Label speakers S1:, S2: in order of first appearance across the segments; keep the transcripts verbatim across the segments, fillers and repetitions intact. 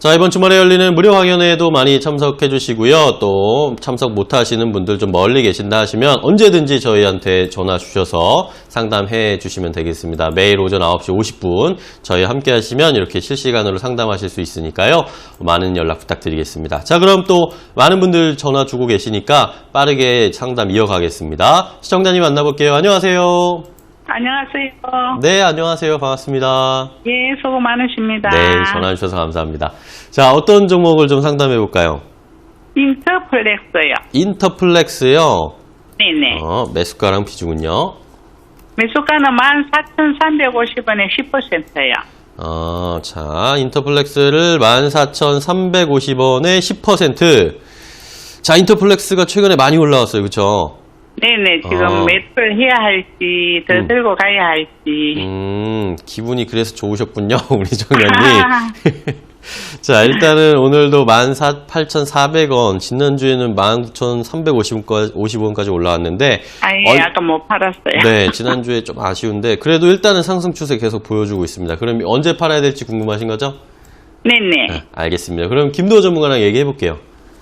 S1: 자, 이번 주말에 열리는 무료 강연회에도 많이 참석해 주시고요. 또 참석 못 하시는 분들 좀 멀리 계신다 하시면 언제든지 저희한테 전화 주셔서 상담해 주시면 되겠습니다. 매일 오전 아홉 시 오십 분 저희 함께 하시면 이렇게 실시간으로 상담하실 수 있으니까요. 많은 연락 부탁드리겠습니다. 자, 그럼 또 많은 분들 전화 주고 계시니까 빠르게 상담 이어가겠습니다. 시청자님 만나볼게요. 안녕하세요.
S2: 안녕하세요.
S1: 네, 안녕하세요. 반갑습니다.
S2: 예, 수고 많으십니다.
S1: 네, 전화 주셔서 감사합니다. 자, 어떤 종목을 좀 상담해 볼까요?
S2: 인터플렉스요.
S1: 인터플렉스요.
S2: 네네.
S1: 어, 매수가랑 비중은요?
S2: 매수가는 만 사천삼백오십 원에 십 퍼센트요.
S1: 어, 자, 인터플렉스를 만 사천삼백오십 원에 십 퍼센트. 자, 인터플렉스가 최근에 많이 올라왔어요. 그쵸?
S2: 네네. 지금
S1: 어.
S2: 매수를 해야 할지, 더
S1: 음.
S2: 들고 가야 할지.
S1: 음, 기분이 그래서 좋으셨군요. 우리 정연님. 자, 일단은 오늘도 만 팔천사백 원, 지난주에는 만 구천삼백오십 원까지 올라왔는데.
S2: 아예
S1: 어,
S2: 아까 못 팔았어요.
S1: 네, 지난주에 좀 아쉬운데, 그래도 일단은 상승 추세 계속 보여주고 있습니다. 그럼 언제 팔아야 될지 궁금하신 거죠?
S2: 네네.
S1: 네, 알겠습니다. 그럼 김도호 전문가랑 얘기해 볼게요.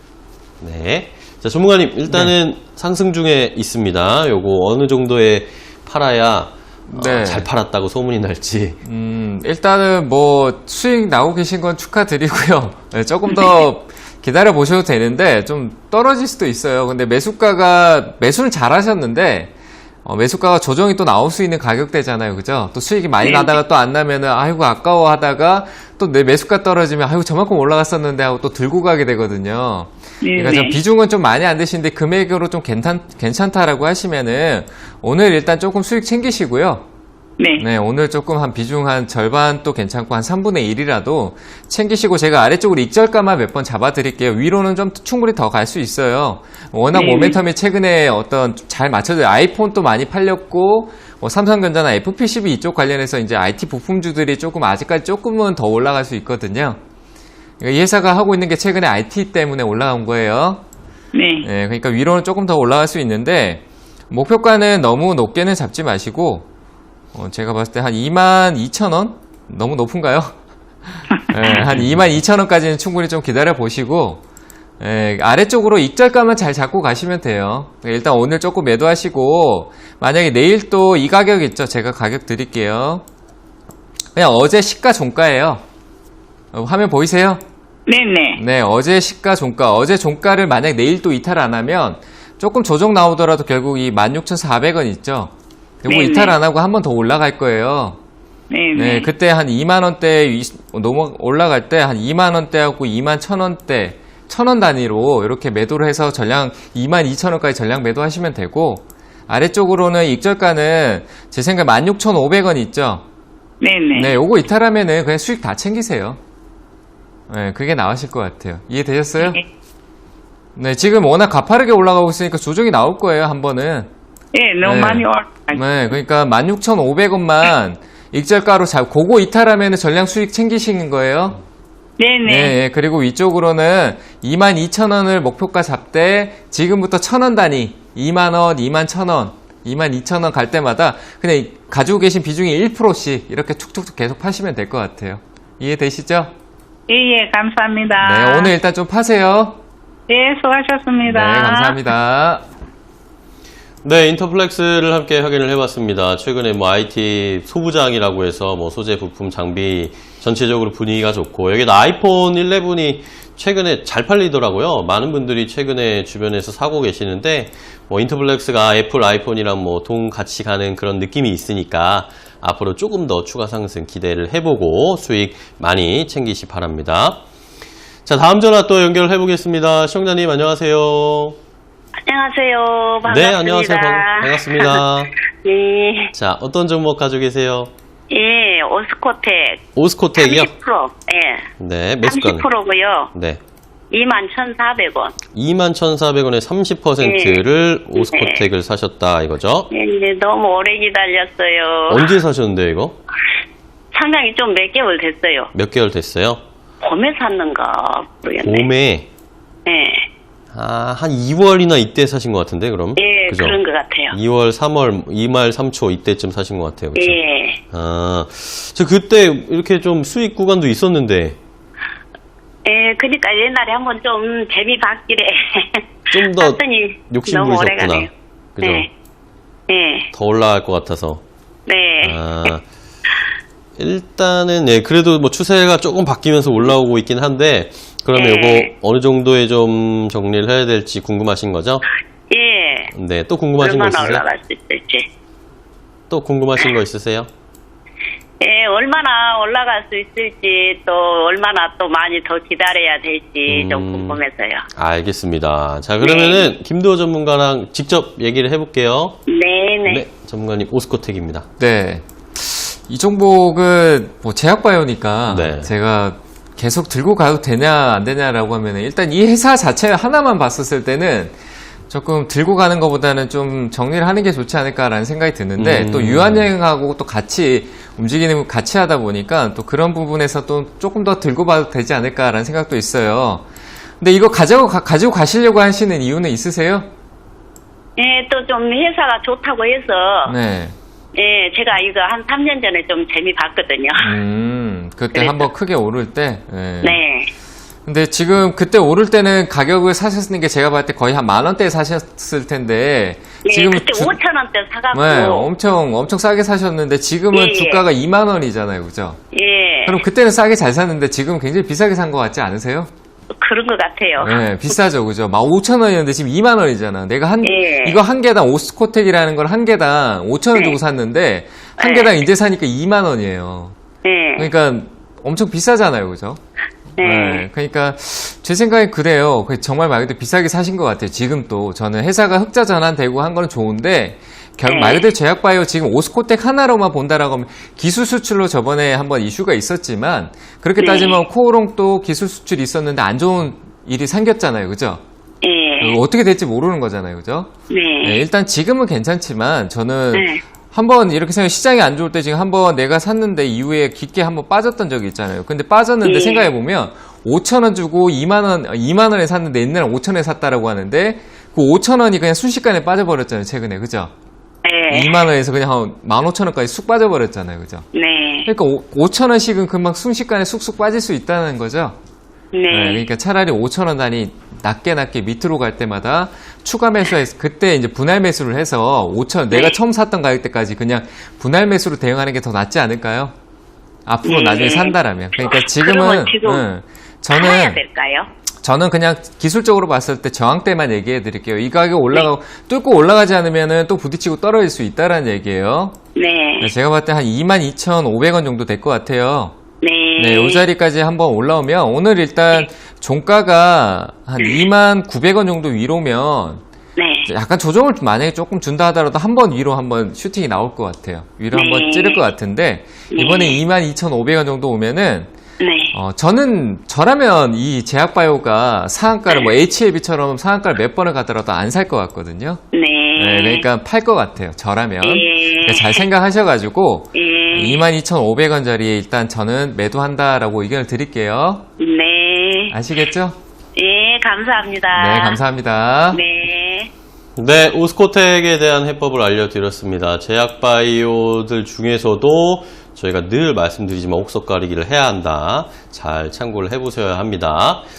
S1: 네. 자, 전문가님, 일단은 네. 상승 중에 있습니다. 요거 어느 정도에 팔아야 네. 어, 잘 팔았다고 소문이 날지.
S3: 음, 일단은 뭐 수익 나오고 계신 건 축하드리고요. 네, 조금 더 기다려 보셔도 되는데 좀 떨어질 수도 있어요. 근데 매수가가 매수는 잘 하셨는데 어, 매수가가 조정이 또 나올 수 있는 가격대잖아요. 그죠? 또 수익이 많이
S2: 네.
S3: 나다가 또 안 나면은 아이고 아까워 하다가 또 내 매수가 떨어지면 아이고 저만큼 올라갔었는데 하고 또 들고 가게 되거든요.
S2: 네.
S3: 그러니까 좀 비중은 좀 많이 안 되시는데 금액으로 좀 괜찮, 괜찮다라고 하시면은 오늘 일단 조금 수익 챙기시고요.
S2: 네.
S3: 네, 오늘 조금 한 비중 한 절반 또 괜찮고 한 삼분의 일이라도 챙기시고 제가 아래쪽으로 익절가만 몇 번 잡아드릴게요. 위로는 좀 충분히 더 갈 수 있어요. 워낙
S2: 네.
S3: 모멘텀이 최근에 어떤 잘 맞춰져요. 아이폰도 많이 팔렸고 뭐 삼성전자나 에프피씨비 이쪽 관련해서 이제 아이티 부품주들이 조금 아직까지 조금은 더 올라갈 수 있거든요. 이 회사가 하고 있는 게 최근에 아이티 때문에 올라온 거예요.
S2: 네.
S3: 네, 그러니까 위로는 조금 더 올라갈 수 있는데 목표가는 너무 높게는 잡지 마시고 어, 제가 봤을 때 한 이만 이천 원? 너무 높은가요? 네, 한 이만 이천 원까지는 충분히 좀 기다려 보시고 네, 아래쪽으로 익절가만 잘 잡고 가시면 돼요. 일단 오늘 조금 매도하시고 만약에 내일 또 이 가격 있죠? 제가 가격 드릴게요. 그냥 어제 시가 종가예요. 어, 화면 보이세요?
S2: 네네.
S3: 네, 어제 시가 종가, 어제 종가를 만약 내일 또 이탈 안 하면 조금 조정 나오더라도 결국 이 만 육천사백 원 있죠? 요거
S2: 네네.
S3: 이탈 안 하고 한 번 더 올라갈 거예요.
S2: 네네.
S3: 네, 그때 한 이만 원대 넘어 올라갈 때 한 이만 원대하고 이만 천 원대, 천 원 단위로 이렇게 매도를 해서 전량 이만 이천 원까지 전량 매도하시면 되고 아래쪽으로는 익절가는 제 생각에 만 육천오백 원 있죠?
S2: 네네.
S3: 네, 요거 이탈하면은 그냥 수익 다 챙기세요. 네, 그게 나으실 것 같아요. 이해되셨어요?
S2: 네.
S3: 네, 지금 워낙 가파르게 올라가고 있으니까 조정이 나올 거예요, 한 번은.
S2: 예, 너무
S3: 네.
S2: 많이 올.
S3: 네, 그러니까 만 육천오백 원만 익절가로 잡고, 그거 이탈하면 전량 수익 챙기시는 거예요.
S2: 네네.
S3: 네, 네, 그리고 위쪽으로는 이만 이천 원을 목표가 잡되, 지금부터 천 원 단위, 이만 원, 이만 천 원, 이만 이천 원 갈 때마다 그냥 가지고 계신 비중이 일 퍼센트씩 이렇게 툭툭툭 계속 파시면 될 것 같아요. 이해되시죠?
S2: 예, 예, 감사합니다.
S3: 네, 오늘 일단 좀 파세요.
S2: 예, 수고하셨습니다.
S3: 네, 감사합니다.
S1: 네, 인터플렉스를 함께 확인을 해봤습니다. 최근에 뭐 아이티 소부장이라고 해서 뭐 소재, 부품, 장비 전체적으로 분위기가 좋고 여기다 아이폰 십일이 최근에 잘 팔리더라고요. 많은 분들이 최근에 주변에서 사고 계시는데 뭐 인터플렉스가 애플 아이폰이랑 뭐 동 같이 가는 그런 느낌이 있으니까 앞으로 조금 더 추가 상승 기대를 해보고 수익 많이 챙기시 바랍니다. 자, 다음 전화 또 연결해 보겠습니다. 시청자님 안녕하세요.
S4: 안녕하세요. 반갑습니다.
S1: 네, 안녕하세요. 반, 반갑습니다.
S4: 네.
S1: 자, 어떤 종목 가지고 계세요?
S4: 예, 오스코텍.
S1: 오스코텍이요?
S4: 삼십 퍼센트. 예.
S1: 네, 매수가는?
S4: 삼십 퍼센트고요.
S1: 네.
S4: 이만 천사백 원.
S1: 이만 천사백 원에 삼십 퍼센트를
S4: 네.
S1: 오스코텍을 사셨다 이거죠?
S4: 예, 네, 너무 오래 기다렸어요.
S1: 언제 사셨는데 이거?
S4: 상당히 좀 몇 개월 됐어요.
S1: 몇 개월 됐어요?
S4: 봄에 샀는가 모르겠네.
S1: 봄에?
S4: 예.
S1: 아, 한 이월이나 이때 사신 것 같은데 그럼?
S4: 예,
S1: 그죠?
S4: 그런 것 같아요.
S1: 이월, 삼월, 이말, 삼초 이때쯤 사신 것 같아요. 그죠?
S4: 예.
S1: 아, 저 그때 이렇게 좀 수익 구간도 있었는데
S4: 그러니까 옛날에 한번 좀 재미 봤길래.
S1: 좀 더
S4: 봤더니
S1: 욕심
S4: 너무 오래
S1: 부리셨구나.
S4: 가네요.
S1: 그죠?
S4: 네. 네.
S1: 더 올라갈 것 같아서.
S4: 네.
S1: 아, 일단은, 예, 그래도 뭐 추세가 조금 바뀌면서 올라오고 있긴 한데, 그러면
S4: 네.
S1: 요거 어느 정도에 좀 정리를 해야 될지 궁금하신 거죠?
S4: 예.
S1: 네, 또 궁금하신 거
S4: 얼마나
S1: 있으세요?
S4: 올라갈 수 있을지.
S1: 또 궁금하신 거 있으세요?
S4: 예, 얼마나 올라갈 수 있을지, 또 얼마나 또 많이 더 기다려야 될지 좀
S1: 음.
S4: 궁금해서요.
S1: 알겠습니다. 자, 그러면은 김도호 전문가랑 직접 얘기를 해볼게요.
S4: 네네.
S1: 네, 전문가님 오스코텍입니다.
S3: 네. 이 종목은 뭐 제약바이오니까
S1: 네.
S3: 제가 계속 들고 가도 되냐 안 되냐라고 하면 일단 이 회사 자체 하나만 봤었을 때는 조금 들고 가는 것보다는 좀 정리를 하는 게 좋지 않을까라는 생각이 드는데
S1: 음.
S3: 또 유한여행하고 또 같이 움직이는 같이 하다 보니까 또 그런 부분에서 또 조금 더 들고 봐도 되지 않을까라는 생각도 있어요. 근데 이거 가지고 가, 가지고 가시려고 하시는 이유는 있으세요?
S4: 예, 또 좀 회사가 좋다고 해서,
S3: 네.
S4: 예, 제가 이거 한 삼 년 전에 좀 재미 봤거든요.
S3: 음, 그때
S4: 그래서.
S3: 한번 크게 오를 때. 네.
S4: 네.
S3: 근데 지금 그때 오를 때는 가격을 사셨는 게 제가 봤을 때 거의 한 만 원대에 사셨을 텐데
S4: 예,
S3: 지금
S4: 그때 오천 원대 사갖고.
S3: 네, 엄청 엄청 싸게 사셨는데 지금은
S4: 예, 예.
S3: 주가가 이만 원이잖아요, 그죠?
S4: 예.
S3: 그럼 그때는 싸게 잘 샀는데 지금 굉장히 비싸게 산 것 같지 않으세요?
S4: 그런 것 같아요.
S3: 네, 비싸죠, 그죠? 막 오천 원이었는데 지금 이만 원이잖아. 내가 한
S4: 예.
S3: 이거 한 개당 오스코텍이라는 걸 한 개당 오천 원
S4: 네.
S3: 주고 샀는데 한
S4: 네.
S3: 개당 이제 사니까 이만 원이에요.
S4: 예.
S3: 그러니까 엄청 비싸잖아요, 그죠?
S4: 네.
S3: 네, 그러니까 제 생각엔 그래요. 그 정말 말 그대로 비싸게 사신 것 같아요. 지금 또 저는 회사가 흑자 전환되고 한 거는 좋은데 결국
S4: 네.
S3: 말 그대로 제약바이오 지금 오스코텍 하나로만 본다라고 하면 기술 수출로 저번에 한번 이슈가 있었지만 그렇게
S4: 네.
S3: 따지면 코오롱도 기술 수출이 있었는데 안 좋은 일이 생겼잖아요, 그죠?
S4: 예.
S3: 어떻게 될지 모르는 거잖아요, 그죠?
S4: 네.
S3: 네, 일단 지금은 괜찮지만 저는
S4: 네.
S3: 한번 이렇게 생각 시장이 안 좋을 때 지금 한번 내가 샀는데 이후에 깊게 한번 빠졌던 적이 있잖아요. 근데 빠졌는데
S4: 예.
S3: 생각해 보면 오천 원 주고 이만 원 이만 원에 샀는데 옛날에 오천 원에 샀다라고 하는데 그 오천 원이 그냥 순식간에 빠져버렸잖아요, 최근에. 그죠?
S4: 네.
S3: 이만 원에서 그냥 한 만 오천 원까지 쑥 빠져버렸잖아요. 그죠?
S4: 네.
S3: 그러니까 오천 원씩은 금방 순식간에 쑥쑥 빠질 수 있다는 거죠.
S4: 네.
S3: 네, 그러니까 차라리 오천 원 단위 낮게 낮게 밑으로 갈 때마다 추가 매수해서 그때 이제 분할 매수를 해서 오천 내가
S4: 네.
S3: 처음 샀던 가격대까지 그냥 분할 매수로 대응하는 게 더 낫지 않을까요? 앞으로
S4: 네.
S3: 나중에 산다라면. 그러니까 지금은
S4: 그러면 지금
S3: 응,
S4: 살아야
S3: 저는
S4: 될까요?
S3: 저는 그냥 기술적으로 봤을 때 저항대만 얘기해 드릴게요. 이 가격 올라가고 뚫고 올라가지 않으면은 또 부딪히고 떨어질 수 있다라는 얘기예요.
S4: 네.
S3: 제가 봤을 때 한 이만 이천오백 원 정도 될 것 같아요.
S4: 네.
S3: 네, 이 자리까지 한번 올라오면 오늘 일단 종가가 한 이만 구백 원 정도 위로면
S4: 네.
S3: 약간 조정을 만약에 조금 준다 하더라도 한 번 위로 한번 슈팅이 나올 것 같아요. 위로
S4: 네.
S3: 한번 찌를 것 같은데 이번에 이만 이천오백 원 정도 오면은
S4: 네.
S3: 어, 저는 저라면 이 제약바이오가 상한가를 뭐 에이치엘비처럼 상한가를 몇 번을 가더라도 안 살 것 같거든요.
S4: 네.
S3: 네, 그러니까 팔 것 같아요. 저라면.
S4: 예.
S3: 그러니까 잘 생각하셔가지고
S4: 예.
S3: 이만 이천오백 원짜리에 일단 저는 매도한다라고 의견을 드릴게요.
S4: 네.
S3: 아시겠죠?
S4: 예, 감사합니다.
S3: 네, 감사합니다.
S4: 네.
S1: 네, 오스코텍에 대한 해법을 알려드렸습니다. 제약바이오들 중에서도 저희가 늘 말씀드리지만 옥석 가리기를 해야 한다. 잘 참고를 해보셔야 합니다.